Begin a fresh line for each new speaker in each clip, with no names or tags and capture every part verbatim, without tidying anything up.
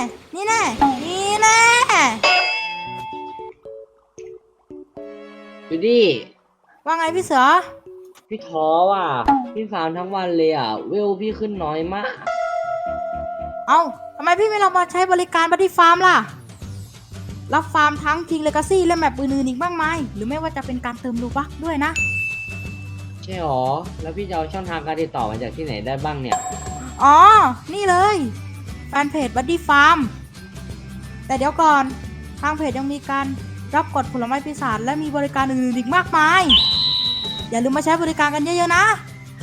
นี่แน่นี่แน่
จูดี้
ว่าไงพี่เสือ
พี่ท้อว่ะพี่ฟาร์มทั้งวันเลยอ่ะเวลพี่ขึ้นน้อยมาก
เอ้าทำไมพี่ไม่ลองมาใช้บริการบัดดี้ฟาร์มล่ะรับฟาร์มทั้งคิงเลกาซี่และแมปอื่นๆอีกมากมายหรือไม่ว่าจะเป็นการเติมรูบัคด้วยนะ
ใช่หรอแล้วพี่จะเอาช่องทางการติดต่อมาจากที่ไหนได้บ้างเนี่ย
อ๋อนี่เลยแฟนเพจบัดดี้ฟาร์มแต่เดี๋ยวก่อนทางเพจยังมีการรับกดผลไม้ปีศาจและมีบริการอื่นๆอีกมากมายอย่าลืมมาใช้บริการกันเยอะๆนะ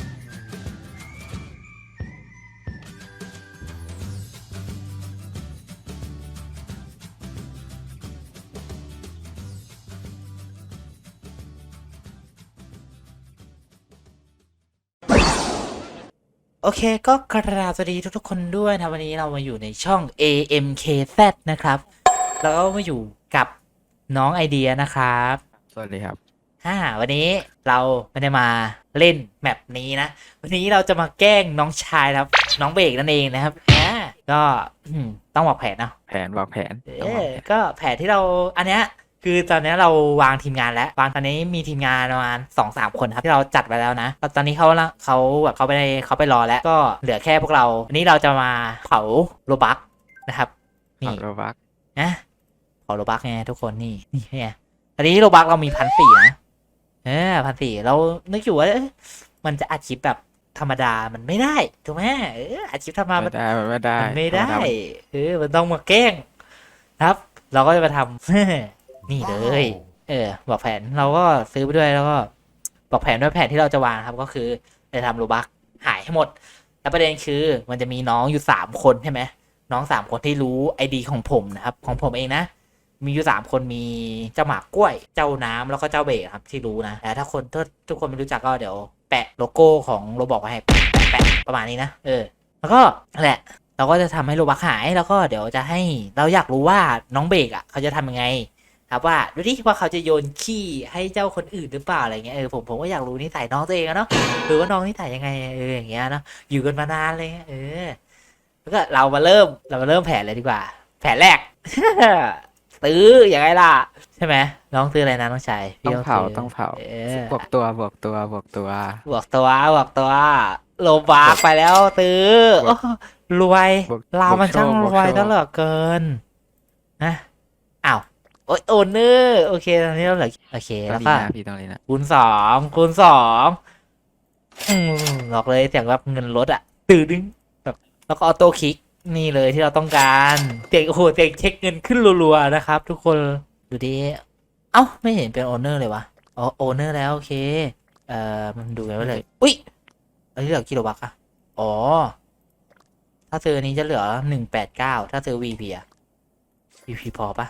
โอเคก็กราบสวัสดีทุกๆคนด้วยนะวันนี้เรามาอยู่ในช่อง เอ เอ็ม เค แซด นะครับแล้วก็มาอยู่กับน้องไอเดียนะครับ
สวัสดีครับ
ฮ่าวันนี้เราไม่ได้มาเล่นแมปนี้นะวันนี้เราจะมาแกล้งน้องชายครับน้องเบรกนั่นเองนะครับอ่าก็ต้องบอกแผนเนาะ
แผนวางแผน
เออก็แผนที่เราอันเนี้ยคือตอนนี้เราวางทีมงานแล้ววางตอนนี้มีทีมงานประมาณสองสามคนครับที่เราจัดไว้แล้วนะตอนนี้เขาเขาแบบเขาไปเขาไปรอแล้วก็เหลือแค่พวกเราวันนี้เราจะมาเผาโลบักนะครับนี่
โรบัก
นะเผาโลบักไงทุกคนนี่นี่ไงตอนนี้โลบักเรามีพันสี่นะเออพันสี่เรานึกอยู่ว่ามันจะอัดคลิปแบบธรรมดามันไม่ได้ถูกไหมเอออัดคลิปธรรมดา
ไม่ได้ไม่ได้
มันไม่ได้เออมันต้องมาแกล้งครับ เราก็จะมาทำนี่เลยเออบอกแผนเราก็ซื้อไปด้วยแล้วก็บอกแผนด้วยแผนที่เราจะวางครับก็คือจะทำโลบักหายให้หมดแล้วประเด็นคือมันจะมีน้องอยู่สามคนใช่ไหมน้องสามคนที่รู้ไอดีของผมนะครับของผมเองนะมีอยู่สามคนมีเจ้าหมากกล้วยเจ้าน้ำแล้วก็เจ้าเบรครับที่รู้นะแต่ถ้าคนถ้าทุกคนไม่รู้จักก็เดี๋ยวแปะโลโก้ของโรบอกไว้ให้แปะแปะประมาณนี้นะเออแล้วก็นั่นแหละเราก็จะทำให้โลบักหายแล้วก็เดี๋ยวจะให้เราอยากรู้ว่าน้องเบรกอ่ะเขาจะทำยังไงครับว่าดูดิว่าเขาจะโยนขี้ให้เจ้าคนอื่นหรือเปล่าอะไรเงี้ยเออผมผมก็อยากรู้นิสัยน้องตัวเองอะเนาะหรือว่าน้องนิสัยยังไงเอออย่างเงี้ยเนาะอยู่กันมานานเลยเออแล้วก็เรามาเริ่มเรามาเริ่มแผนเลยดีกว่า แผนแรก ซื้ออย่างไรล่ะใช่ไหมน้องซื้ออะไรนะน้องชาย
ต้องเผาต้องเผาบวกตัวบวกตัวบวกตัว
บวกตัวบวกตัวโลบาไปแล้วซื้อรวยเรามันช่างรวยตลอดเกินนะอ้าวโอ้ยโอนเนอร์โอเคตอนนี้เราเหลือโอเคแล้วก็
พี่ต้องเลยนะ
คูณสองคูณสองอืมบอกเลยเสียงแบบเงินลดอ่ะตื่นดึงแบบแล้วก็ออโต้คลิกนี่เลยที่เราต้องการเสียงโอ้โหเสียงเช็คเงินขึ้นรัวๆนะครับทุกคนดูดิเอ้าไม่เห็นเป็นโอนเนอร์เลยวะอ๋อโอนเนอร์แล้วโอเคเอ่อมันดูไงวะเลยอุ้ยอันนี้เหลือกิโลบักอะอ๋อถ้าซื้อนี้จะเหลือหนึ่งแปดเก้าถ้าซื้อ วี พี อะ วี พี พอปะ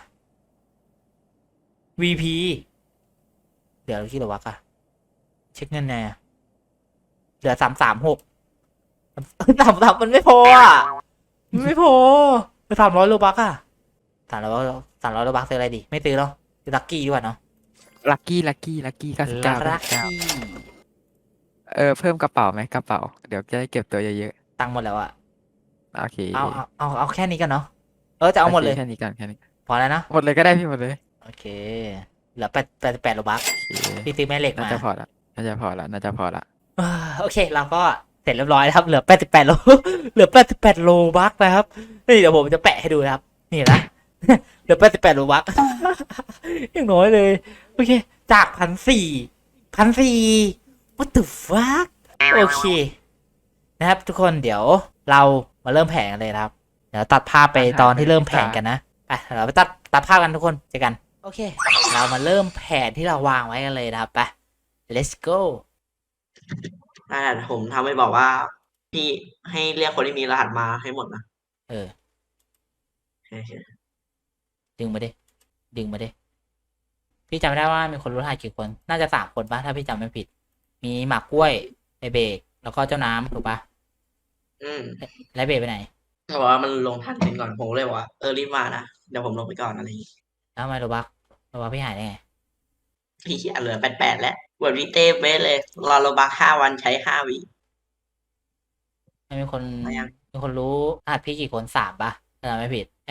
วี พี เหลือกี่โลบักอะเช็คเงินไงเหลือสามสามหกสามสามมันไม่พออ่ะมันไม่พอไปสามร้อยโลบักอะสามร้อยสามร้อยโลบักซื้ออะไรดีไม่ซื้อหรอซื้อลักกี้ดีกว่าเนาะ
ลักกี้ลักกี้ลักกี้เก้าสิบเก้า
ลักกี้
เออเพิ่มกระเป๋าไหมกระเป๋าเดี๋ยวจะได้เก็บตัวเยอะ
ๆตังค์หมดแล้วอะ
โอเค
เอาเอาเอาเอาแค่นี้กันเนาะเออจะเอาหมดเลย
แค่นี้กันแค่นี้
พอแล้วนะ
หมดเลยก็ได้พี่หมดเลย
โอเคเหลือแปดแปดแปดโลบักพี่ซื้อแม่เหล็กมา
น่าจะพอละน่าจะพอละน่าจะพอละ
โอเคเราก็เสร็จเรียบร้อยแล้วครับเหลือแปดสิบแปดโลเหลือแปดสิบแปดโลบักนะครับนี่เดี๋ยวผมจะแปะให้ดูนะครับนี่นะเหลือแปดสิบแปดโลบักยังน้อยเลยโอเคจากพันสี่พันสี่ what the fuck โอเคนะครับทุกคนเดี๋ยวเรามาเริ่มแผนกันเลยครับเดี๋ยวตัดภาพไปตอนที่เริ่มแผนกันนะอ่ะเราไปตัดตัดภาพกันทุกคนเจอกันโอเคเรามาเริ่มแผนที่เราวางไว้กันเลยนะครับไป let's go
นั่นแหละผมทำให้บอกว่าพี่ให้เรียกคนที่มีรหัสมาให้หมดนะ
เออ
โอเค
ดึงมาดิดึงมาดิพี่จำไม่ได้ว่ามีคนรู้รหัสกี่คนน่าจะสามคนปะถ้าพี่จำไม่ผิดมีหมากกล้วยไอเบรกแล้วก็เจ้าน้ำถูกปะ
อืม
แล้วเบรกไปไหน
เขาบอกว่ามันลงทันเป็นก่อนผมเลยบอกว่าเออรีบมานะเดี๋ยวผมลงไปก่อนอะไรอย่างงี้
แล้วทำไมโรบักโรบักพี่หายได้ไง
พี่เขียนเหลือแปดแปดแล้วบวดวิเต้เบสเลยรอโลบักห้าวันใช้ห้าวิ
ไม่มีคนมีคนรู้รหัสพี่กี่คนสามปะถ้าจำไม่ผิดไอ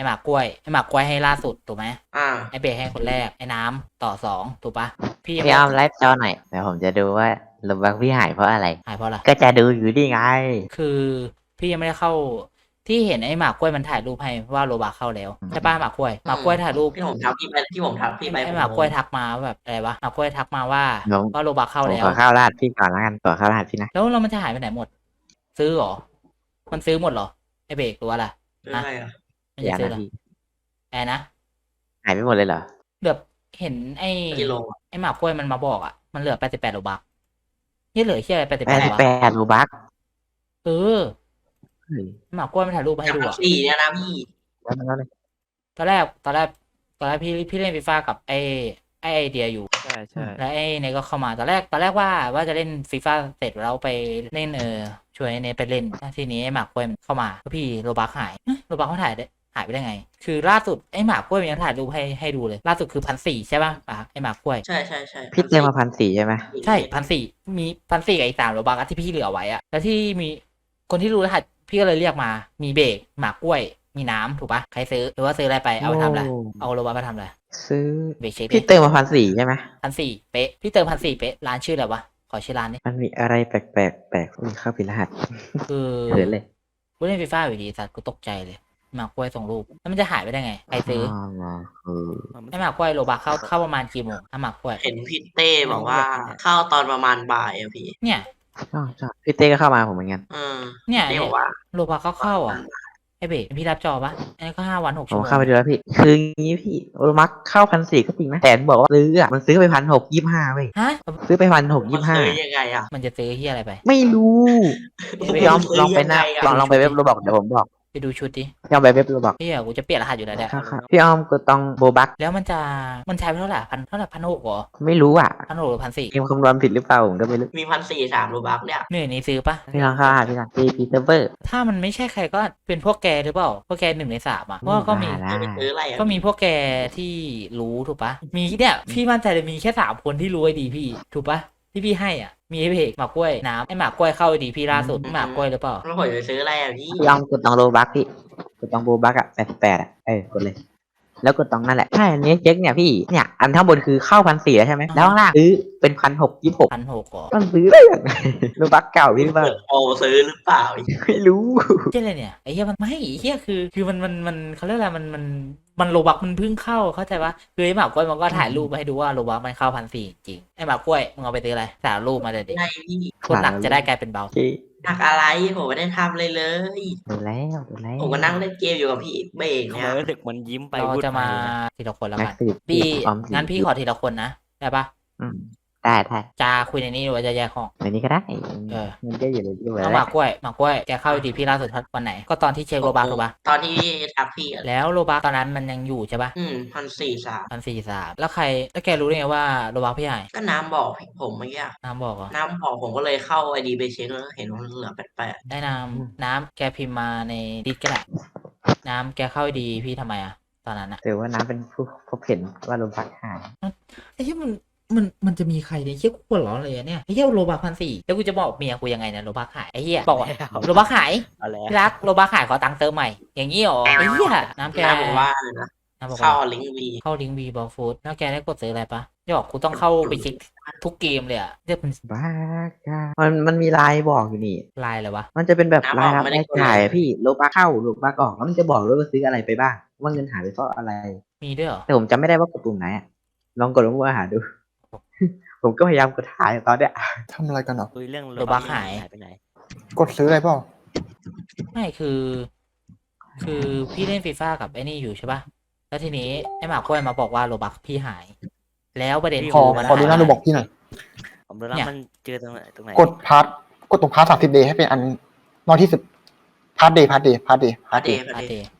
หมากกล้วยไอหมากกล้วยให้ล่าสุดถูกไหม
อ่า
ไอเบรกให้คนแรกไอ้น้ำต่อสองถูกปะพี่ยัง
พี่
ไม่
อ้อมไลฟ์จอหน่อยเดี๋ยวผมจะดูว่าลมบักพี่หายเพราะอะไร
หายเพราะอะไร
ก็จะดูอยู่นี่ไง
คือพี่ยังไม่ได้เข้าที่เห็นไอ้หมากกล้วยมันถ่ายรูปให้ว่าโรบาเข้าแล้วใช่ปะหมากกล้วยหมากกล้วยถ่ายรูป
ที่ผมทักพี่ไปที่ผมทักพี่ไป
ไอ้หมากกล้วยทักมาว่าแบบอะไรวะหมากกล้วยทักมาว่า
น้อง
ว่าโรบาเข้า
ผม
แล้ว
ขอข้าวราดพี่ก่อนแล้วกันขอข้าวราดพี่นะ
แล้วเรามันจะหายไปไหนหมด ซื้อเหรอมันซื้อหมดเหรอไอเบรกหรือว่าอะไร
เรื่องอะไรอ่ะ
มัน
อ
จะ
ย่า
ซื้อ
นะ
เหรอ
พี่
แอนนะ
หายไปหมดเลยเหรอ
แบบเห็นไอ้
กิโล
ไอ้หมากกล้วยมันมาบอกอ่ะมันเหลือแปดสิบแปดโรบานี่เหลือแค่แปดสิบ
แป
แป
ด
ด
สิบ
วะ
แปดรูบัก
เออ
เฮ้ย
หมากกล้วยมันถ่ายรูปมาให้
จาก
ดู
พัน
อ่ะ
สี่เนี่ยนะพี่
แล้วมันก็เลย
ตอนแรกตอนแรกตอนแรกพี่พี่เล่นฟีฟ่ากับไอ้ไอ้ไอเดียอยู่
ใช่ใช่
แล้วไอ้เนยก็เข้ามาตอนแรกตอนแรกว่าว่าจะเล่นฟีฟ่าเสร็จแล้วไปเล่นเออช่วยไอ้เนยไปเล่นทีนี้ไอ้หมากกล้วยมันเข้ามาก็พี่โรบักหายเอ๊ะโรบักเขาถ่ายได้หายไปได้ไง คือล่าสุดไอ้หมากกล้วยมันยังถ่ายรูปให้ให้ดูเลย ล่าสุดคือพันสี่ใช่ป่ะอ่ะไอ้หมากกล้วย
ใช่ใช่ใช่
พี่เติมมาพันสี่ใช่ไหม
ใช่พันสี่มีพันสี่กับอีกสามโรบักอะที่พี่เหลือไว้อะแล้วที่มีคนที่รู้รหัสพี่ก็เลยเรียกมา มีเบรกหมากกล้วย มีน้ำถูกปะใครซื้อหรือว่าซื้ออะไรไปเอาไปทำอะไร
โ
เอาโรบักไปทำอะไร
ซื้อ
เบรกเช็คดิ
พี่เติมมาพันสี่ใช่ไหม
พันสี่เป๊ะพี่เติมพันสี่เป๊ะร้านชื่ออะไรวะขอชื่อร้านนี่
มันมีอะไรแปลกแปลกๆแปลกมีเข้าผิดรหัส
คือ
เขินเลย
กูเล่นฟีฟ่าอยู่ดีสัตว์กูตกใจเลยหมากกล้วยส่งรูปแล้วมันจะหายไปได้ไงใครซื้อ
มาคือ
ไอ้หมากกล้วยโรบักเข้าเข้าประมาณกี่โมงถ้าหมากกล้วย
เห็นพี่เต้บอกว่าเข้าตอนประมาณบ่ายอะพี่
เนี่ย
ชอบชอบพี่เต้ก็เข้ามาผมเหมือนกัน
เออ
เนี่ย
เต้
เนี่
บ
ย
อกว่า
โรบักเข้าเข้าอ่ะไอ้เบรกพี่รับจอปะอันนี้ก็ห้าวันหก
ผ
ชั่ว
ม
โมง
เข้าไปดูแล้วพี่ คืองี้พี่โอมักเข้าพันสี่ก็จริงนะแต่บอกว่าซื้ออ่ะมันซื้อไปพันหกยี่ห้าเว้ย
ฮะ
ซื้อไปพันหก
มัน
ยี่ห้า
ซื้อยังไงอ่ะ
มันจะซื้อที่อะไรไป
ไม่รู้
ไม่รู้
พี่ยอมลองไปหน้า
ยังไงอะ
ลองลองไปเว็บโรบอกเดี๋ยวผมบอก
ไปดูชุดดิ
พี่ยอมไปเว็บโรบอก
พี่อะกูจะเปลี่ยนรหัสอยู่แล้วเนี่ย
ครับพี่ออมก็ต้องโบบัก
แล้วมันจะมันใช้ไปเท่าไหร่พันเท่าไหร่พันหกเหรอ
ไม่รู้อ่ะ
พันหกหรือพันสี่
เกมคำนวณผิดหรือเปล่าผมก็ไม่รู้
มีพันสี่สามรูบักเนี่ย
เหนื่อยนี้ซื้อปะ
พี่ลองเข้าหาพี่ลองพีพีเซิร์ฟเวอร์
ถ้ามันไม่ใช่ใครก็เป็นพวกแกหรือเปล่าพวกแกหนึ่งในสามอ่ะเพราะว่าก็มี
บ้า
จะไป
ละ
ซื้ออะไรอ่ะ
ก็มีพวกแกที่รู้ถูกปะมีเนี่ยพี่มั่นใจเลยมีแค่สามคนที่รู้ไอ้ดีพี่ถูกปะที่พี่ให้อ่ะมีไอ้เพกหมากกล้วยน้ำไอ้หมากกล้วยเข้าไอ้ดีพี่ล่าสุดหมากกล้วยหรือเปล่า
แล้วผมจะไปซื้ออะไรอ่ะพี่
พี่ออมกดต้องโรบักพี่กดต้องโบบักอ่ะแปดสิบแปดอ่ะเออกดเลย แล้วกดต้องนั่นแหละใช่อันนี้เจ๊กเนี่ยพี่เนี่ยอันข้างบนคือเข้าพันสี่แล้วใช่ไหมแล้วข้างล่างซื้อเป็นพันหกยี่หก
พันหกก่อ
มันซื้อได้ยังไงโรบักเก่าพี่หรือเปล่า
เปิดโปรซื้อหรือเปล่า
ไม่รู้
เจ๊อะไรเนี่ยไอ้เหี้ยมันไม่ไอ้เหี้ยคือ คือมันมันมันเขาเรียกอะไรมันมันมันโลบักมันเพิ่งเข้าเข้าใจปะคือไอ้หมากกล้วยมันก็ถ่ายรูปมาให้ดูว่าโลบักมันเข้าพันสี่จริงไอ้หมากกล้วยมึงเอาไปซื้ออะไรถ่ายรูปมาเลยดิ
ไงพี่
คนหนักจะได้กลายเป็นเบา
โอเค
หนักอะไรผมไม่ได้ทำเลยเลย
ดูแล้วดูแล้ว
ผมก็นั่งเล่นเกมอยู่กับพี่เบรก
ทำ
เนี่
ไม
ย
รู้สึกมันยิ้มไป
เรา
พูด
จะ
ไป
มา
เลยนะ
ทีละคนแล้ว
นั
กั
ก
น
สืบ
พี่
ออมสิ
งั้นพี่ขอทีละคนนะได้ปะ
อืมได้ได้
จะคุยในนี้หรือว่าจะแยกห้อง
ในนี้ก็ได้
เออ
มันก็อยู่ในที่ไว้
เอาหมากกล้วยหมากกล้วยแกเข้าดีพี่ล่าสุดวันไหน ก็ตอนที่เช็คโลบักถูกปะ
ตอนที่ทักพี่อะ
แล้วโลบักตอนนั้นมันยังอยู่ใช่ปะ
อืมพันสี่สาม
พันสี่สามแล้วใครแล้วแกรู้ได้ไงว่าโลบักพี่หาย
ก็น้ำบอกผมเมื่อกี้
น้ำบอกเหรอ
น้ำบอกผมก็เลยเข้าไอดีไปเช็คแล้วเห็นว่ามันเหลือแปดแปด
ได้น้ำน้ำแกพิมพ์มาในดิสก็ได้น้ำแกเข้าดีพี่ทำไมอะตอนนั้นอะ
ถือว่าน้ำเป็นผู้พบเห็นว่าโรบักหาย
ไอ้เหี้ยมันมันมันจะมีใครเนี่ยเหี้ยกูปวดร้อนเลยอะเนี่ยไอ้เหี้ยโลบักพันสี่แล้วกูจะบอกเมียกูยังไงเนี่ยโลบักหายไอ้เหี้ยบอกว่าโลบักหาย
เอาแล้ว
พี่รักโลบักขายขอตังค์เติมใหม่ อย่างนี้เหรอไอ้เหี้ยน้ำแก
น้ำบอกว่าเลยนะ
น้ำบอก
เข้า
ว่า
ลิงก์วี
เข้าลิงก์วีบอลฟูดแล้วแกได้กดซื้ออะไรปะจะบอกกูต้องเข้าไปเช็คทุกเกมเลยอะเรียกเป็น
บ้ากามันมันมีลายบอกอยู่นี่
ลายเลยวะ
มันจะเป็นแบบรายรับรายจ่ายอะพี่โลบักเข้าโลบักออกแล้วมันจะบอกด้วยว่าซื้ออะไรไปบ้าง ว่าเงินหายไปเพราะอะไร
มีด้วยเหรอ
แต่ผมจำไม่ได้ว่ากดปุ่มไหนอะลองกดลงมาหาดู ผมก็พยายามกดหาอยู่ตอนเนี้ย
ทำอะไรกันเหรอ
คุยเรื่อง
โลบักหาย
ไปไหน
กดซื้ออะไรเปล่า
ไม่คือ คือพี่เล่นฟีฟ่ากับไอ้นี่อยู่ใช่ปะแล้วทีนี้ไอ้หมากกล้วยมาบอกว่าโลบักพี่หาย แล้วประเด็น
ขอ
คือมัน
ขอดูหน้า
หาย
ดูบอกพี่หน่อย
ผมรู้แล้ว
เนี่ย
มันเจอตรงไหนตรงไหน
กดพาร์ทกดตรงพาร์ทสามสิบเดย์ให้เป็นอันน้อยที่สุดพาร์ทเดย์พาร์ทเดย์พาร์ทเดย์
พาเดย์
อา
พา
เด
เดย์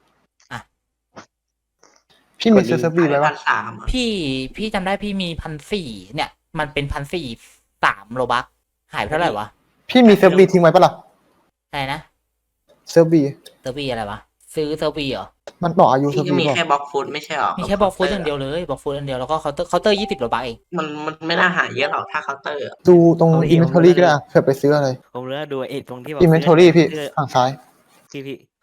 พี่มีซื้อเซิร์ฟวีไว้
พั
ปะ
นสาม
พี่พี่จำได้พี่มีพันสี่เนี่ย มันเป็นพันสี่สามโลบักหายไปเท่าไหร่วะ
พี่มีเซิร์ฟวีทิ้งไว้ปะล่ะ
อะไรนะ
เซิร์ฟวี
เซอร์วีอะไรวะซื้อเซอร์วีเหรอ
มันต่ออายุเซิร์
พี่
ฟ
ก็
วี
มี
บอก
แค่บล็อกฟุตไม่ใช่หรอ
มีแค่บอกฟูดอย่างเดียวเลยบอกฟูดอย่างเดียวแล้วก็เคาน์เตอร์เคาน์เตอร์ยี่สิบโลบักเอง
มันมันไม่น่าหายเยอะหรอกถ้าเคาน์เตอร์อะ
ดูตรงอินเวนทอรี่ก็ได้อะเผื่อไปซื้ออะไร
ผมรู้แล้วดูไอ้ตรงที่แบบ
อินเวนทอรี่พี่
เสื้อ
ฝั่งซ้าย
พี่พี่ผม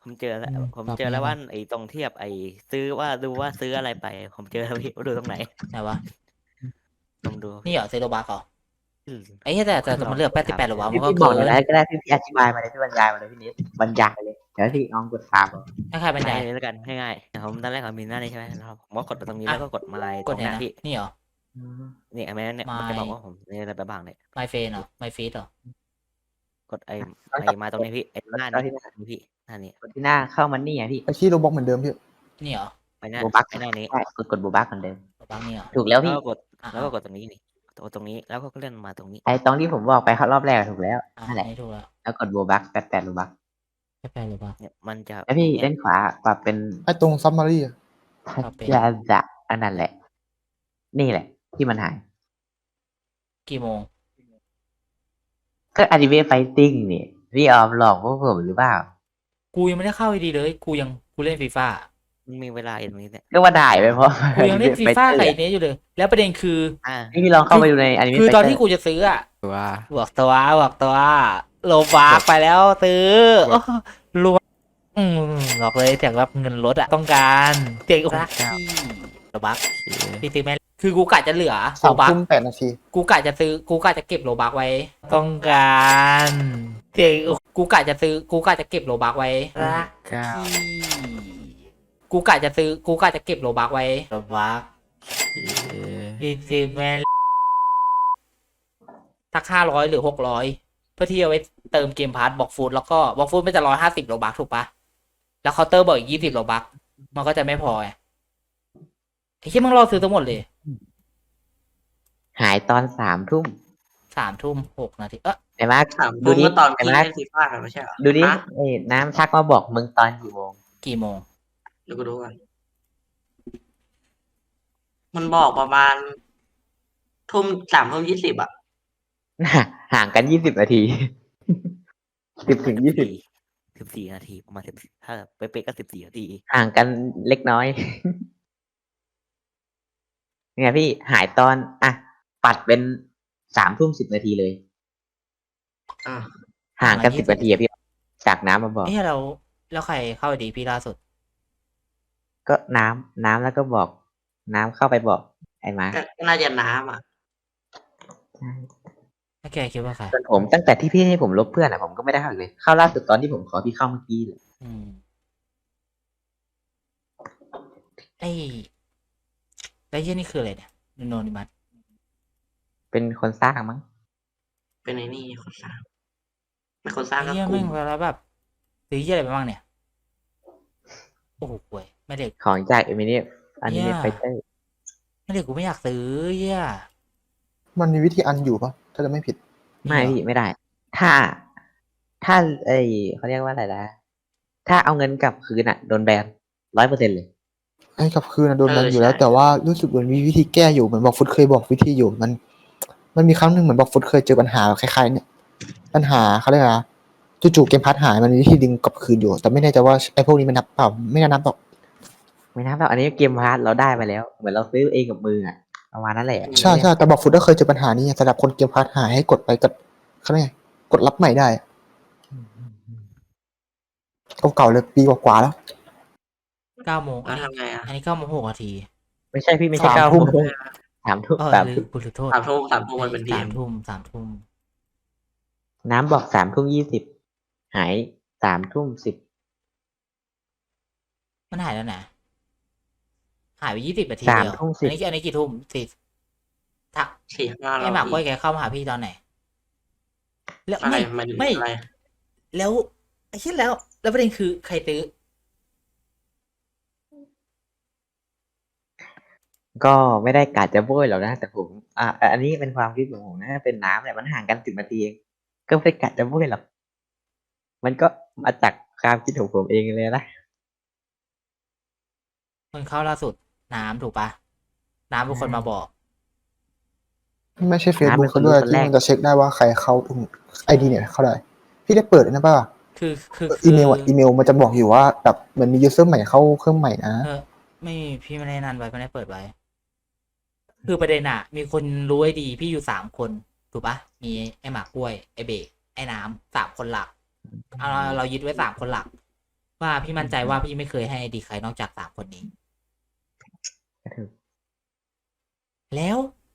ผมเจอแล้ว
อืม
ผม
ปรับ
เจอแล้ว
ไง
ว่าไอ้ตรงเทียบไอ้ซื้อว่าดูว่าซื้ออะไรไป ผมเจอแล้วพี่ว่าดูตรงไหน
ไหนวะ
ผมดู
นี่เหรอเซโรบักเหรอ
อืม
ไอ้เหี้ยแต่แต่แต่มันเลือกแปดสิบแปดหรอวะมันก็
พี่
เกิ
บอกหน่อย
น
ได้ก็ได้พี่พี่อธิบายมาเลยพี่บรรยายมาเลยพี่นิดบรรยายเลยเดี๋ยวพี่น้องกดตามเอา
ถ้าใครบรรยาย
ง่ายเลยแล้วกันง่ายๆผมตอนแรกผมมีหน้านี้ใช่ไหมแล้วผมก็กดไปตรงนี้
อ่ะ
แล้วก็กดมาลาย
ก
ต
ด
รง
เนี่ย
เนี้ย
นะ
พี่
นี่เหรอ
นี่ไอ้แม่เนี่ยมันจะ
My
บอกว่าผมนี่อะไรไปบ้างเนี่ย
ไมเฟนเหรอไมฟีดเหรอ
กดไอ้ไอ้มาตรงนี้พี่ไอ้หน้า
แล้วที่
นี้
หน้า
นี่พี่หน้านี้
กดที่หน้าเข้ามันนี่ไงพี่
ไปที่โรบอกเหมือนเดิมพี่
นี่เหรอ
ไอ้หน้า
โบบัก
ไอ้หน้านี้
ใช่กดกดโบบักเหมือนเดิม
โรบักนี่เหรอ
ถูกแล้ว
แล้ว
พี่
ก็กด
อ่ะ
แล้วก็กดตรงนี้นี่กดตรงนี้แล้วก็เลื่อนมาตรงนี้
ไอ้ตรงที่ผมบอกไปรอบแรกอะถูกแล้ว
อ่ะ
นั่นแหละ
นี่ถูกแล้ว
แล้วกดโบบักแปดแปดโบบัก
แค่แปดหรือเปล่า
เนี่ยมันจะ
แล้วพี่
เนี่ย
เล่นขวาปรับเป็น
ไอ้ตรงซับมารีอะ
ปรับเป็น
จะจะอันนั้นแหละ นี่แหละ ที่มันหาย
กี่โมง
ก็อนิเมะไฟติ้งนี่พี่ออมหลอกพวกผมหรือเปล่า
กูยังไม่ได้เข้าดีเลย กูยังกูเล่นฟีฟ่า
มันมีเวลาอยู่ตรงนี้เนี่ย
ก็ว่าได้ไปเพราะ
กูยังเล่นฟีฟ่าไก่เนี้ยอยู่เลย แล้วประเด็นคือ
อ่า
นี่พี่ลองเข้าไปดูในอนิเมะ
คือตอนที่กูจะซื้ออะ
ว่า
บอกตัวบอกตัวโลบาร์ไปแล้วซื้อโอ้รวยอืมบอกเลยแต่ว่าเงินลดอะต้องการเตียงรักที่โลบักพี่ซื้อไหมคือกูกะจะเหลือโล
สาม
บัก
ทุ่มแปดนาที
กูกะจะซื้อกูกะจะเก็บโลบักไว้ ต้องการเตียงกูกะจะซื้อกูกะจะเก็บโลบักไว้รัก
เก้า
ที่กูกะจะซื้อกูกะจะเก็บโลบักไว้โลบัก
เอ๊ะ
พี่ซื้อแม่สักห้าร้อยหรือหกร้อยเพื่อที่จะไว้เติมเกมพาร์ทบอกฟูดแล้วก็บอกฟูดมันจะร้อยห้าสิบโลบักถูกปะแล้วเคาน์เตอร์บอกอีกยี่สิบโลบักมันก็จะไม่พอไงไอ้ที่มึงรอซื้อทั้งหมดเลย
หายตอนสามทุ่ม
สามทุ่มหกนาทีเออ
ไอ้มาร์ค
ถาม
ดู
ดู
ดิ
เมื่อตอน
ไอ้
พี่
มาร์ค
เล่นฟีฟ่ากันไม่ใช่เหรอ
ดูดิ
ฮะ
เอ้ยน้ำชักมาบอกมึงตอนกี่โมง
กี่โมง
เดี๋ยวกูดูกันมันบอกประมาณทุ่มสามทุ่มยี่สิบอ่ะ
ห่างกันยี่สิบนาที สิบถึงยี่สิบ
สิบสี่นาทีประมาณสิบถ้าเป๊ะๆก็สิบสี่นาที
ห่างกันเล็กน้อย เนี่ยพี่หายตอนอ่ะปัดเป็นสามทุ่มสิบนาทีเลย
อ่า
ห่างกันสิบนาทีอะพี่จากน้ำมาบอก
เอ้ยเราแล้วใครเข้าดีพี่ล่าสุด
ก็น้ำน้ำแล้วก็บอก น้ำเข้าไปบอก ไอ้มาร์ค
ก็ก็น่าจะน้ำอ่ะ
ถ้าแกคิดว่าใคร
ส่วนผมตั้งแต่ที่พี่ให้ผมลบเพื่อนอ่ะผมก็ไม่ได้เข้าอีกเลย เข้าล่าสุดตอนที่ผมขอพี่เข้าเมื่อกี้เลย
อืมไอ้ไอ้เหี้ยนี่คืออะไรเนี่ยโนนิมัส
เป็นคนสร้างมั้ง
เป็นไอ้นี่คนสร้างไม่คนสร้าง
ไอ้
ก็
เหี้ย
ก
แม่
ลุ่
ง
ม
เวลาแบบซื้อเหี้ยอะไรไปบ้างเนี่ย โอ้โหป่วยไม่เด็ก
ของจากเอมิเนียอันนี้
เนี่ย
ไฟเตอร์
ไม่เด็กกูไม่อยากซื้อเหี้ย
มันมีวิธีอันอยู่ปะถ้าจะไม่ผิด
ไม่พี่ไม่ได้ ถ้า ถ้าเอ้ยเขาเรียกว่าอะไรนะถ้าเอาเงินกลับคืนอ่ะโดนแบนร้อยเปอร์เซ็นต์เลย
ให้กลับคืนนะโดนแบนอยู่แล้ว แต่ว่ารู้สึกเหมือนมีวิธีแก้อยู่เหมือนบอกฟุตเคยบอกวิธีอยู่มัน มันมีครั้งหนึ่งเหมือนบอกฟุตเคยเจอปัญหาคล้ายๆเนี่ย ปัญหาเขาเรียกอะไรนะจู่ๆเกมพัดหายมันมีวิธีดึงกลับคืนอยู่ แต่ไม่แน่ใจว่าไอ้พวกนี้มันนับเปล่าไม่น่านับหรอก
ไม่นับหรอกอันนี้เกมพาร์ทเราได้ไปแล้ว เหมือนเราซื้อเองกับมืออ่ะประมาณนั้นแหละ
ใช่ใช่แต่บอกฟุตก็เคยเจอปัญหานี้สำหรับคนเกมพัดหายให้กดไปกดเขาเรียกไงกดรับใหม่ได้เก่าๆเลยปีกว่าๆแล้ว
เก้าโมง
แล้วทำไงอ่ะ
อันนี้เก้าโมงหกนาที
ไม่ใช่พี่ไม่ใช่
สาม
เก้า
ทุ่
ทุ่
ม
มสามทุ่ม
เออ
สาม
ลื
ทุ่
ม
ม
กูขอโทษ
สามทุ่มสามทุ่มมันเป็นที
สาม มทุ่มสามทุ่ม
น้ำบอกสามทุ่มยี่สิบหายสามทุ่มสิบ
มันหายแล้วนะหายไปยี่สิบนาที
สาม
เดียว
ทุ่ม
อั
สิ
น
บ
นี้อันนี้กี่ทุ่มสิทัก
สี่ห้า
ไอ้หมากกล้วยแกเข้ามาหาพี่ตอนไหน แล้ว
อะไร
ไม่
มัน
ไม่
อะไร
แล้วไอ้เช่นแล้ว แล้วประเด็นคือใครตื้อ
ก็ไม่ได้กะจะโบยหรอกนะ แต่ผม อ่ะอันนี้เป็นความคิดของผมนะเป็นน้ำเนี่ยมันห่างกันสิบนาทีเองก็ไม่ได้กะจะโบยหรอกมันก็มาจากความคิดของผมเองเลยนะ
คนเข้าล่าสุด น้ำถูกปะน้ำเป็นคนมาบอก
ไม่ใช่เฟซ
น้ำเป็
บุ๊
น
ก
คน
ด้วย
คน
ที่
แรก
มันจะเช็คได้ว่าใครเข้าไอดีเนี่ยเข้าได้ พี่ได้เปิดนะป่ะ
คือคือ
อีเมลอ่ะอีเมลมันจะบอกอยู่ว่าแบบเหมือนมียูเซอร์ใหม่เข้าเครื่องใหม่นะ
เออไม่พี่ไม่ได้นันไว้ไม่ได้เปิดไว้ คือประเด็นอะมีคนรู้ไอ้ดี พี่อยู่สามคน ถูกปะมีไอ้หมากกล้วย ไอ้เบกไอ้น้ำสามคนหลักเอาเราเรายึดไว้สามคนหลักว่าพี่มั่นใจว่าพี่ไม่เคยให้ดีใครนอกจากสามคนนี้
ก็ถูก
แล้ว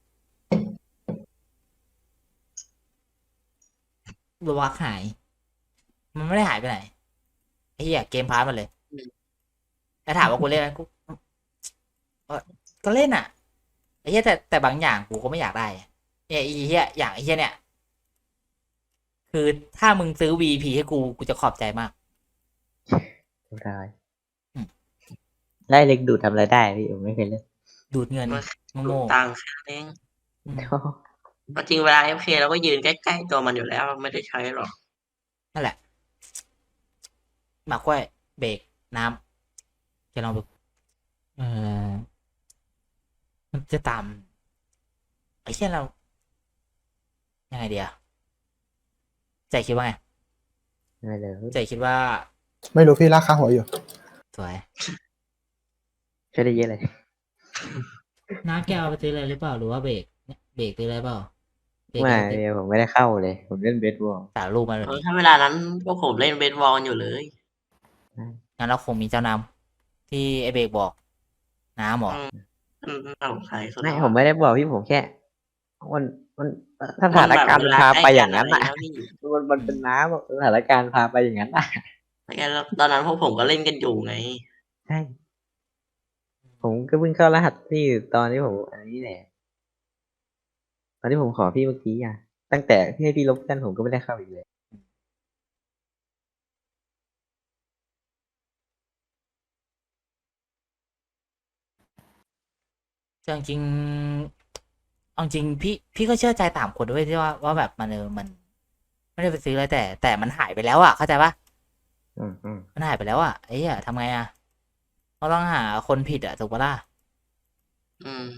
โรบักหาย มันไม่ได้หายไปไหนไอ้เหี้ยเกมพาร์ทมันเลยแล้วถามว่ากูเล่นไหมกูเอ่อก็เล่นอ่ะไอ้เหี้ยแต่แต่บางอย่างกูก็ไม่อยากได้อะเนี่ยไอ้เหี้ยอย่างไอ้เหี้ยเนี่ย คือถ้ามึงซื้อ วี พี ให้กูกูจะขอบใจมาก
เรียบร้อย
อืม
ไล่เล็กดูดทำอะไรได้พี่ผมไม่เคยเล่น
ดูดเงิน
ดู
โง่
ตังค์แค่นั้นเอง
ๆอืม
จริงเวลาเอฟเคเราก็ยืนใกล้ๆตัวมันอยู่แล้วไม่ได้ใช้หรอก
นั่นแหละหมากกล้วยเบรกน้ำจะลองดูเออมันจะตามไอ้เช่นเรา ยังไงเดียใจคิดว่าไง
ไม่เลย
ใจคิดว่า
ไม่รู้พี่ลากข้างหัวอยู่
สวย
ช่วยได้เยอะเลย
น้าแกเอาไปซื้ออะไรหรือเปล่าหรือว่าเบรกเบรกซื้ออะไรเปล่าเบรก
ไม่
เอาไปซื้อ
ผมไม่ได้เข้าเลย ผมเล่นเบสบอล
สารรูปมาแบบ
เออ
นี้
ถ้าเวลานั้นพวกผมเล่นเบสบอลอยู่เลย
งั้นเราคงมีเจ้านำที่ไอเบรกบอก น้ำหมอ
อืมอืมน่าสงสัยสุด
ไม่
แล้ว
ผมไม่ได้บอกพี่ผมแค่ มันมันสถานการณ์
มั
มัน
นแบบ
พาไป
เวลา
อย่างนั้น
ใกล้
อ่ะ
กันอะไรแล้วพี่
มันมันเป็นน้ำอะสถานการณ์พาไปอย่างนั้นอ่ะ
แล้วตอนนั้นพวกผมก็เล่นกันอยู่ไง
ใช่ ผมก็เพิ่งเข้ารหัสพี่ตอนที่ผมอันนี้แหละ ตอนที่ผมขอพี่เมื่อกี้อ่ะ ตั้งแต่ที่ให้พี่ลบกันผมก็ไม่ได้เข้าอีกเลย
จริงๆเอาจริงพี่พี่ก็เชื่อใจตามคนด้วยที่ว่าว่าแบบมันเออมัน ไม่ได้ไปซื้ออะไรแต่ แต่มันหายไปแล้วอ่ะเข้าใจปะ
อืมอืม
มันหายไปแล้วอ่ะไอ้เหี้ยทำไงอ่ะเราต้องหาคนผิดอ่ะถูกปะล่ะ
อืม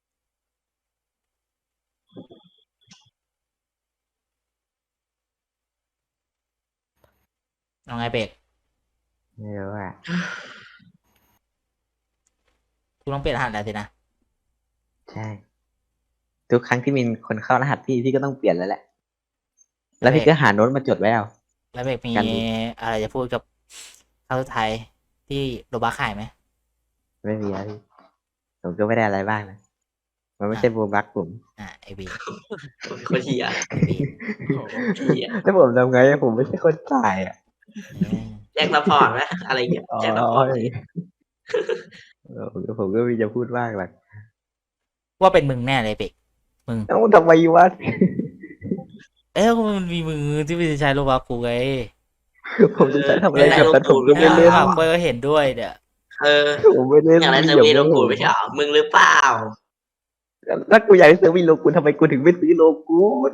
เอาไงเบรก
ไม่รู้อ่ะ
กูต้องเปลี่ยนรหัสแล้วสินะ
ใช่ ทุกครั้งที่มีคนเข้ารหัสพี่พี่ก็ต้องเปลี่ยนแล้วแหละ แล้วพี่ก็หาโน้ตมาจดไว้เอา
แล้วเบรกมี
กันดิ
อะไรจะพูดกับครั้งสุดท้ายที่โรบักขายไหม
ไม่มีอะพี่ผมก็ไม่ได้อะไรบ้างนะ มันไม่ใช่โบบักผม
อ่ะไอบี
คนเฮีย
ไอบี
โอ้โหเฮีย
ถ้าผมทำไงอะผมไม่ใช่คนจ่ายอ่ะ
เออ
แจ็คซัพพอร์ตไหมอะไรเงี้ย
อ๋อ
แจ็คซัพพอร์ต
เออผมก็ผมก็ไมีจะพูดมากหรอก
ว่าเป็นมึงแน่เลยเบรกมึง
เอ้าทำไมวะ
เอ้ยมันมีมือที่ไม่ใช้โรบักกูไง
ผมจะใช้ทำอะไรกับแต่ผมก็
เอ
ไม่
อ
เล่น
อ่ะกูก็เห็นด้วยเดี๋ยว
เออ
ผมไม่เล่น
อย่างไรเซอ
อย่า
ร์วีโล
ง
กูไม่ใช่เหรอมึงหรือเปล่า
ถ้ากูอยากให้เซอร์วิสโลกูลทำไมกูถึงไม่ซื้อโลกูล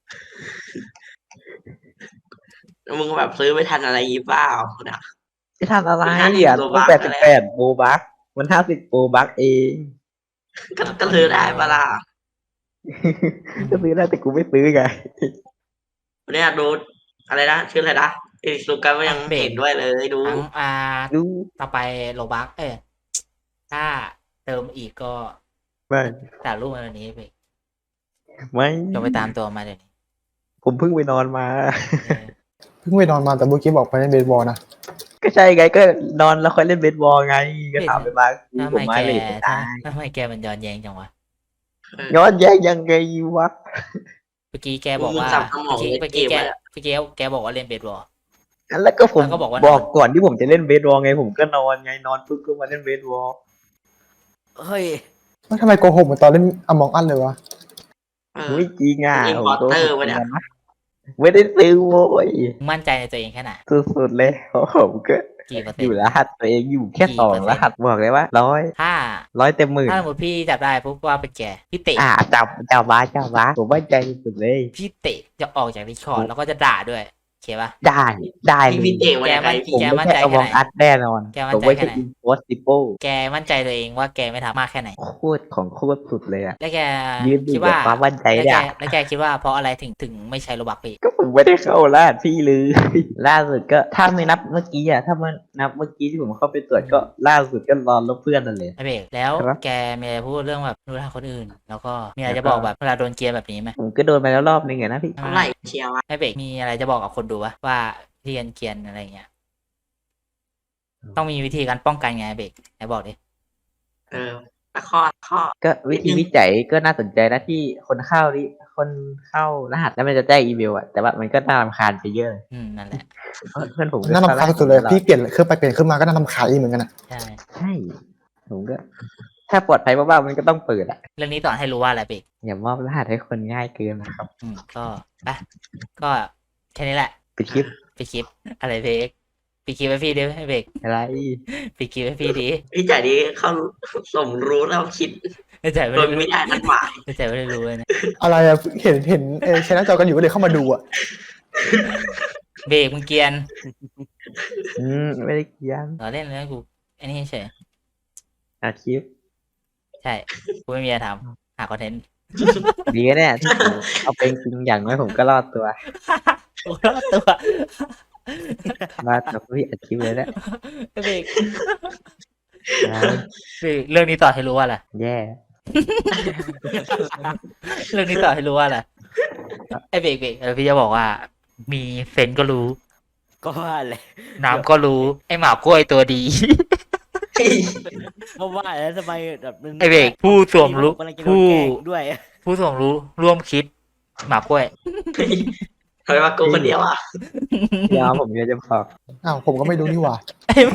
มึงแบบซื้อไม่ทันอะไรยี่เปล่านะ
จะทำอะไร
มันห้าสิบ
อ่ะ
โล
ต้
บั
อง
ค
แปดสิบแปดโบบักมันห้าสิบโบบักเอง
ก็ก็ซื้อได้ปะล่ะ
ก็ซื้อได้แต่กูไม่ซื้อไง
เนี่ยดูอะไรนะชื่ออะไรนะไอ้สุกันก็ยังเห็นด้วยเลยดู
ทั้งอ่า
ดู
ต่อไปโรบักเอ้ยถ้าเติมอีกก็
ไม่
แต่รูปมาวันนี้เบรก
ไม่
จะไปตามตัวมาเดี๋ยวนี้
ผมเพิ่งไปนอนมา
เออ
เพิ่งไปนอนมาแต่เมื่อกี้บอกไปเล่นเบสบอลนะ
ก็ใช่ไงก็นอนแล้วค่อยเล่นเบสบอลไง ก็ถามไปบ้าง
ทำ
ผ
ไม
มมา
แก
เลยไม่ได้
ทำไมแกมันย้อนแย้งจังวะ
ย้อนแย้งยังไงวะ
เมื่อกี้แกบอกว่า
มึงสับสมอ
เมื่
ง
อกี้
เล่น
เมื่อ
เก
กี้
ม
แก
ไว้อะ
เมื่อกี้แกบอกว่าเล่นเบสบอล
แล้วก็ผม
แล้วก็บอกว่า
บอก
นอน
ก่อนที่ผมจะเล่นเบสบอลไง ผมก็นอนไงนอนปุ๊บก็มาเล่นเบสบอล
เฮ้ย
แล้วทำไมโกหกเหมือนตอนเล่นอมองอันเลยวะ
เออ
ไม่จริงอ่ะ
เป็น
ผมโกห
importer
ก
วะเนี่ย
นะไม่ได้ซื้อโว้ย
มั่นใจในตัวเองแค่ไหน
สุดๆเลยเพราะผมก็
กี่เปอร์เซ็
อน ยู่
ต์
รหัสตัวเองอยู่แค่
กี่
สอง
เปอร์เซ็นต์
รหัสบอกเลยว่าร้อย
ถ้า
ร้อยเต็มหมื่น
ถ้าสมมติพี่จับได้ปุ๊บว่าเป็นแกพี่เตะ
อ่าจับจับบ้าจับบ้าผมมั่นใจสุดเลย
พี่เตะจะออกจากดิสคอร์ดแล้วก็จะด่าด้วยโอเคปะ
ได้ได้
พี่
เล
พี่
ย
เตะมา
แก
จากไหน
มัน
พี่
ผม
แก
ไม่
มั่น
ใช่
ใจ
เอา
แค่
ว
ไห
อน งอัดแน่นอน
แกมั่น
ผม
ใจ
ไม่
แค่
ใช่
ไหน
อินโพสติโป
แกมั่นใจตัวเองว่าแกไม่ทำมากแค่ไหน
โคตรของโคตรสุดเลยอ่ะ
แล้วแก
ยืนอยู่
คิดว่า
กับความมั่นใจ
แล้ว
เนี่
แก
ย
แล้วแกคิดว่าเพราะอะไรถึงถึงไม่ใช้โลบักพี่
ก็ผมไม่ได้เข้ารหัสพี่เลย ล่าสุดก็ถ้าไม่นับเมื่อกี้อ่ะถ้ามันนับเมื่อกี้ที่ผมเข้าไปตรวจก็ล่าสุดก็รอลบเพื่อนนั่นเลย
ไอเบรกแล้ว
ครับ
แกมีอะไรพูดเรื่องแบบดูทางคนอื่น แล้วก็มีอะไรจะบอกแบบเวลาโดนเกียร์แบบนี้ไหม
ผมก็โดนไปแล้วรอบนึงไงนะพี่
เท่าไหร่เชียร์วะ
ไอเบรกมีอะไรจะบอกกับคนดูวะว่าเรียนเกียร์อะไรเงี้ยต้องมีวิธีการป้องกันไงเบรกไหนบอกดิ
เออตะข้อตะข้อ
ก็วิธีวิจัยก็น่าสนใจนะที่คนเข้าริคนเข้ารหัสแล้วมันจะแจ้งอีเมลอะแต่ว่ามันก็น่ารำคาญไปเยอะเลย
อืมนั่นแหละ
เพราะเพื่อนผมก็
น่ารำคาญสุดเลยพี่เปลี่ยนเครื่องไปเปลี่ยนเครื่องมาก็น่ารำคาญอีกเหมือนกันอะ
ใช่
ใช่ผมก็ ถ้าปลอดภัยบ้างๆมันก็ต้องเปิดอะ
เรื่องนี้สอนให้รู้ว่าอะไรเบรก
อย่ามอบรหัสให้คนง่ายเกินนะครับ
อืมก็อ่ะก็แค่นี้แหละ
ปิดคลิป
ไปคลิปอะไรเบรกไปคลิปให้พี่ดิให้เบรก
อะไร
ไปคลิปให้พี่ดิ
พี่จ่ายนี้เขาสมรู้แล้วคิด
ไม่ใจไม่
โด
ได้
ยไม่ได้นัดหมาย
ไม่ใจไม่ได้รู้เลยนะ
อะไรอะเห็นเห็นเออชนะจอกันอยู่ก็เลยเข้ามาดูอะ
เบรกมึงเกรียน
อืมไม่ได้เกียน
เราเล่นแล้วกูไอ้นี่เฉย
อาคลิป
ใช่กูไม่มีอะไรทำหาคอนเทนต์
ดีนะเนี่ยที่ผมเอาเป็นจริงอย่างน้อยผมก็รอดตัว
โอ้รอดตัว
รอดตัวพี่อัดคลิปเลยแหละ
เบรก
นะ
เบรกเรื่องนี้ต่อให้รู้ว่าอะไร
แย่
เรื่องนี้ต่อให้รู้ว่าอะไรไอ้เบรกเบรกเออพี่จะบอกว่า มีเซนส์ก็รู้
ก็ว่าเลย
น้ำก็รู้ ไอ้หมากล้วยตัวดี
เพราะว่าแล้วทำไมแบบมัน
ไอ้เบรกผู้สวมรู้
กำลังจะโดน
ผู้
แกล้งด้วย
ผู้สวมรู้ร่วมคิด หมากล้วย
ทำไมมากูคนเดียวอ่ะ
ยอมผมก็จะบอก
อ้าวผมก็ไม่รู้นี่หว่า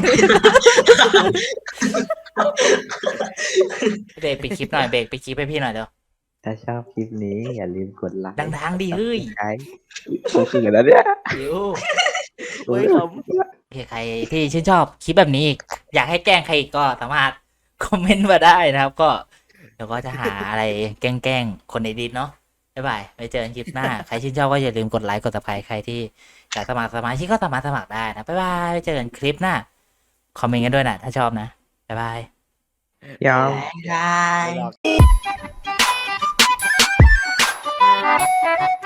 เบรกไปดคลิปหน่อยเบรกไปดคลิปให้พี่หน่อยเดี๋ยว
ถ้าชอบคลิปนี้อย่าลืมกดไลค์
ดังๆดิเฮ้ย
ใช้ผมคือแล้วเนี่ย
เดี๋ยว
โอ้ยผม
โอเคใครที่ชื่นชอบคลิปแบบนี้อีกอยากให้แกล้งใครอีกก็สามารถคอมเมนต์มาได้นะครับ ก็เดี๋ยวก็จะหาอะไรแกล้งๆคนในดิสเนาะบ๊ายบายไปเจอกันคลิปหน้า ใครชื่นชอบก็อย่าลืมกดไลค์กดติดตามใครที่อยากสมัครสมาชิกก็สามารถสมัครได้นะบ๊ายบายไปเจอกันคลิปหน้าคอมเมนต์กันด้วยนะถ้าชอบนะบ๊ายบาย
ยอม
ได้
ไม่หรอก